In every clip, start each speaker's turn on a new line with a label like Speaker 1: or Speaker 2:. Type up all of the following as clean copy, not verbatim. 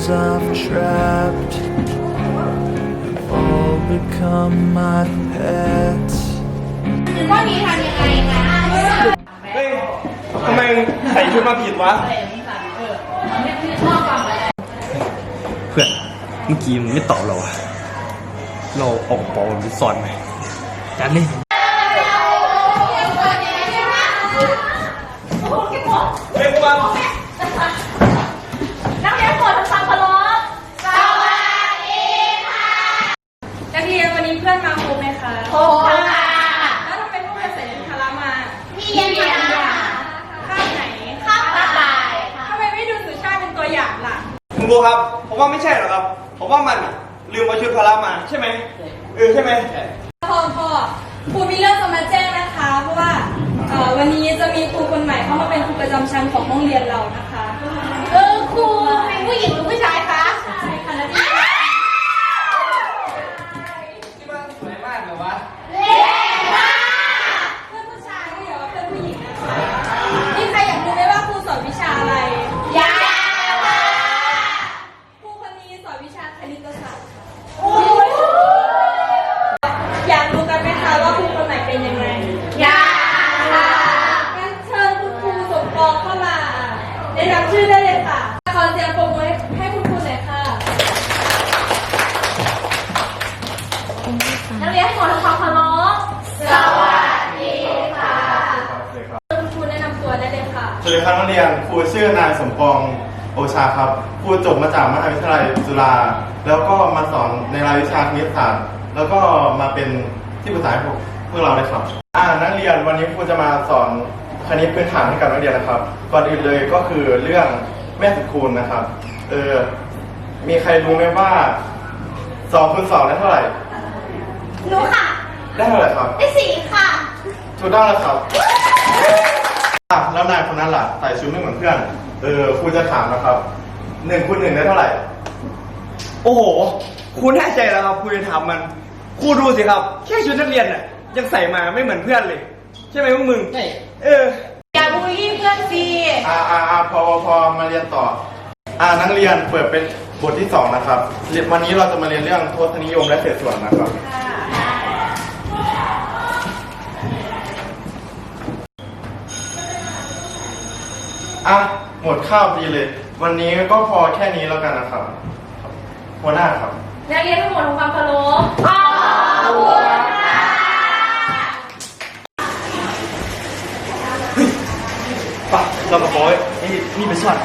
Speaker 1: I've trapped have all become my pets.
Speaker 2: ว่านี้ทำยังไงนะ
Speaker 3: เฮ้ยทำไมใส่ชุดมาผิดวะ เพื่อนเมื่อกี้มึงไม่ตอบเราอะเราออกบอลหรือสอนไหมจัดเลยเฮ้ยกูมา
Speaker 2: นักเรียนโปรดทำความเคารพสวัสดีค่ะนักเรียนวันนี้เพื่อนมาครบไหมคะครบค่ะแล้วทำไมพวกเราใส่ชุดพละมาพี่เรียนค่ะข้าวไหนข้าวกระต่ายทำไมไม่ดูสุชาติเป็นตัวอย่างล่ะ
Speaker 3: คุณครูครับผมว่าไม่ใช่หรอกครับผมว่ามันลืมเอาชุดพละมาใช่ไหมใช่ไหม
Speaker 2: พ่อครูมีเรื่องจะมาแจ้งนะคะเพราะว่าวันนี้จะมีครูคนใหม่เข้ามาเป็นครูประจำชั้นของห้องเรียนเรานะคะครูเป็นผู้หญิงหรือผู้ชายคะใช่ค่ะนักเรียน
Speaker 3: ที่บ้านสวยมากเลยวะ
Speaker 2: เล่ค่ะเพื่อนผู้ชายก็อย่าว่าเพื่อนผู้หญิงนะคะมีใครอยากรู้ไหมว่าครูสอนวิชาอะไรอยากค่ะครูคนนี้สอนวิชาคณิตศาสตร์อยากรู้กันไหมคะว่าครูคนไหนเป็นยังไงอยากค่ะงั้นเชิญคุณครูสมปองเข้ามาได้รับชื่อได้เลยค่ะขอเสียงปรบมือให้คุณครูหน่อยค่ะนักเรียนให้หมดทำความเคารพสวัสดีค่ะคุณครูแนะนำตัวได้เลยค่ะ
Speaker 4: สวัสดีครับนักเรียนครูชื่อนายสมปองโอชาครับครูจบมาจากมหาวิทยาลัยจุฬาแล้วก็มาสอนในรายวิชาคณิตศาสตร์แล้วก็มาเป็นที่ปรึกษาให้พวกเราเลยครับนักเรียนวันนี้ครูจะมาสอนคณิตพื้นฐานให้กับนักเรียนนะครับก่อนอื่นเลยก็คือเรื่องแม่สุดคูณนะครับมีใครรู้ไหมว่า2 คูณ 2ได้เท่าไหร่
Speaker 2: รู้ค่ะ
Speaker 4: ได้เท่าไหร่ครับ
Speaker 2: ได้4ค่ะ
Speaker 4: ถูกต้องแล้วครับแล้วนายคนนั้นล่ะใส่ชุดไม่เหมือนเพื่อนครูจะถามนะครับ1 คูณ 1ได้เท่าไหร่
Speaker 3: โอ้โหครูแน่ใจแล้วครับครูจะถามมันครูดูสิครับแค่ชุดนักเรียนน่ะยังใส่มาไม่เหมือนเพื่อนเลยใช่ไหมพวกมึงใช่
Speaker 2: อย่าบูลลี่เพื่อนสิ
Speaker 4: พอมาเรียนต่อนักเรียนเปิดเป็นบทที่2นะครับวันนี้เราจะมาเรียนเรื่องทศนิยมและเศษส่วนนะครับหมดข้าวดีเลยวันนี้ก็พอแค่นี้แล้วกันนะครับหัวหน้าครับ
Speaker 2: นักเรียนทั้งหมดทำความเคารพขอบคุณค่ะ
Speaker 3: ปะเรามาบอกนี่เป็นช็อต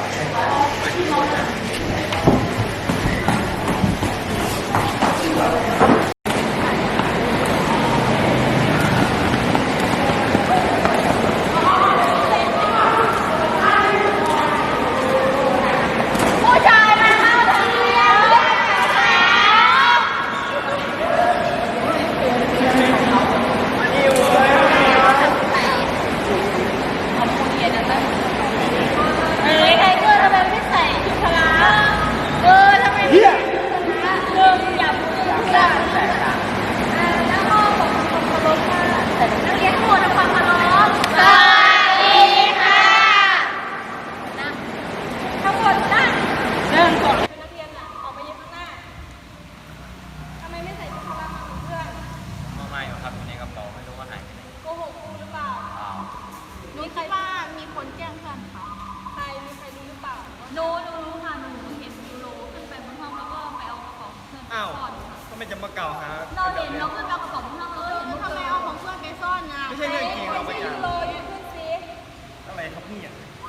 Speaker 2: มีใครว่ามีคนแจ้งเพื่อนค่ะมีใครรู้หรือเปล่ารู้ค่ะหนูเห็นยูโรขึ้นไปบนห้องแล้วก็ไปเอากระเป๋าเพื่อนไปซ่อนค่ะ
Speaker 3: ก็ไม่จะมาเก่าหา
Speaker 2: เราเห็นเราขึ้นไปเอากระเป๋าเพื่อนเราเห็นทำไมเอาของเพื่อนไปซ่อนนะ
Speaker 3: ไม่ใช่เรื่องจริงเราไปจับ
Speaker 2: ยูโรยืนขึ้นซิ
Speaker 3: อะไรครับเนี่ย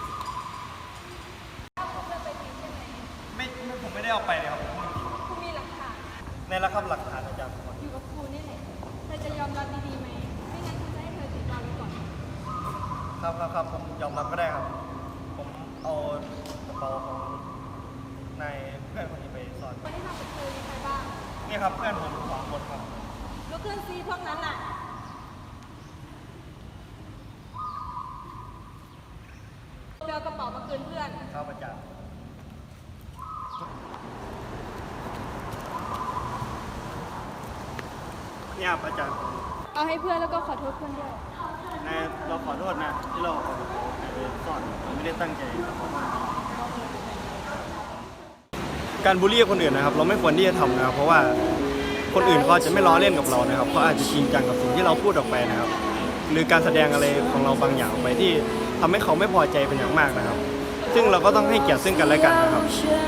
Speaker 3: ไม่ผมไม่ได้เอาไปเลยครับ
Speaker 2: ครูมีหลักฐาน
Speaker 3: ในระครับหลักฐานอาจารย์
Speaker 2: อยู่กับครูนี่แหละเธอจะยอมรับดีๆไหมไม่งั้นครูจะให้เธอติดตามไว้ก่อน
Speaker 3: ครับผมยอมรับก็ได้ครับผมเอากระเป๋าของนายเพื่อนคนนี้ไปซ่อน
Speaker 2: คนที่ทำกับครูมีใครบ้าง
Speaker 3: นี่ครับเพื่อนผม2 คนครับ
Speaker 2: ลุกขึ้นซิพวกนั้นน่ะเดี๋ยวกระเป๋ามาคืนเพื่อน
Speaker 3: ครับอาจารย์เนี่ยอาจารย์
Speaker 2: เอาให้เพื่อนแล้วก็ขอโทษเพื่อนด้วย
Speaker 3: เราขอโทษนะที่เราซ่อนไม่ได้ตั้งใจการบูลลี่คนอื่นนะครับ เราไม่ควรที่จะทำนะครับ เพราะว่าคนอื่นเขาอาจจะไม่ล้อเล่นกับเรานะครับเขาอาจจะจริงจังกับสิ่งที่เราพูดออกไปนะครับ หรือการแสดงอะไรของเราบางอย่างออกไปที่ทำให้เขาไม่พอใจเป็นอย่างมากนะครับ ซึ่งเราก็ต้องให้เกียรติซึ่งกันและกันนะครับ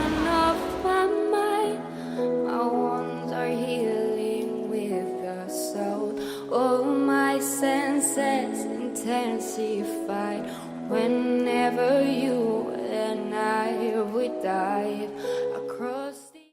Speaker 5: My wounds are healing with the soul. All my senses intensified. Whenever you and I would die.